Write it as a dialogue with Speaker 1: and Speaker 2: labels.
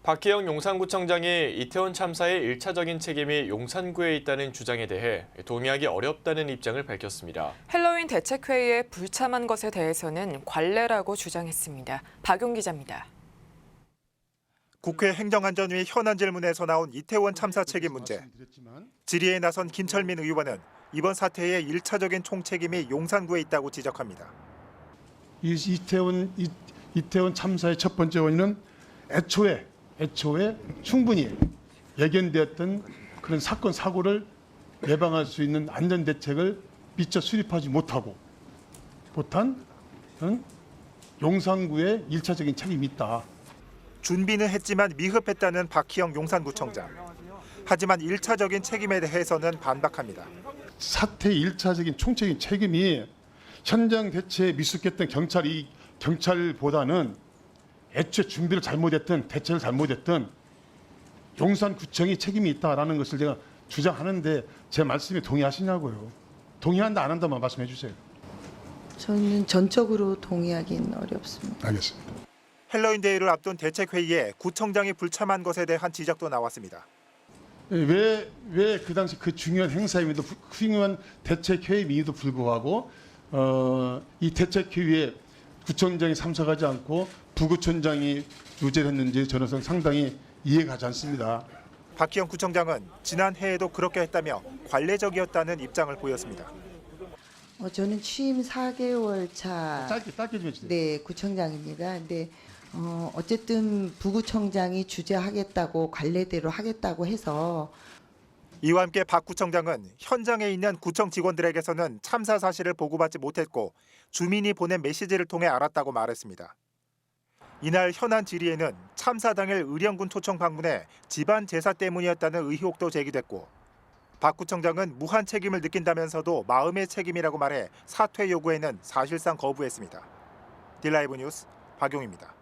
Speaker 1: 박희영 용산구청장이 이태원 참사의 1차적인 책임이 용산구에 있다는 주장에 대해 동의하기 어렵다는 입장을 밝혔습니다.
Speaker 2: 헬로윈 대책회의에 불참한 것에 대해서는 관례라고 주장했습니다. 박용 기자입니다.
Speaker 3: 국회 행정안전위 현안 질문에서 나온 이태원 참사 책임 문제. 질의에 나선 김철민 의원은 이번 사태의 1차적인 총책임이 용산구에 있다고 지적합니다.
Speaker 4: 이태원 참사의 첫 번째 원인은 애초에 충분히 예견되었던 그런 사건 사고를 예방할 수 있는 안전 대책을 미처 수립하지 못한 용산구의 1차적인 책임이 있다.
Speaker 3: 준비는 했지만 미흡했다는 박희영 용산구청장. 하지만 1차적인 책임에 대해서는 반박합니다.
Speaker 4: 사태의 1차적인 총책임 책임이 현장 대처에 미숙했던 경찰보다는 애초에 준비를 잘못했던 대책을 잘못했던 용산구청이 책임이 있다라는 것을 제가 주장하는데 제 말씀에 동의하시냐고요. 동의한다 안 한다만 말씀해 주세요.
Speaker 5: 저는 전적으로 동의하기는 어렵습니다.
Speaker 4: 알겠습니다.
Speaker 3: 헬로윈 데이를 앞둔 대책회의에 구청장이 불참한 것에 대한 지적도 나왔습니다.
Speaker 4: 왜 그 당시 그 중요한 행사임에도 훌륭한 대책회의임에도 불구하고 이 대책회의에 구청장이 참석하지 않고 부구청장이 유죄를 했는지 저는 상당히 이해가 가지 않습니다.
Speaker 3: 박희영 구청장은 지난 해에도 그렇게 했다며 관례적이었다는 입장을 보였습니다.
Speaker 5: 저는 취임 4개월 차
Speaker 4: 짧게 좀 해주세요.
Speaker 5: 네, 구청장입니다. 근데 어쨌든 부구청장이 주재하겠다고 관례대로 하겠다고 해서
Speaker 3: 이와 함께 박 구청장은 현장에 있는 구청 직원들에게서는 참사 사실을 보고받지 못했고 주민이 보낸 메시지를 통해 알았다고 말했습니다. 이날 현안 질의에는 참사 당일 의령군 초청 방문에 집안 제사 때문이었다는 의혹도 제기됐고 박 구청장은 무한 책임을 느낀다면서도 마음의 책임이라고 말해 사퇴 요구에는 사실상 거부했습니다. 딜라이브 뉴스 박용입니다.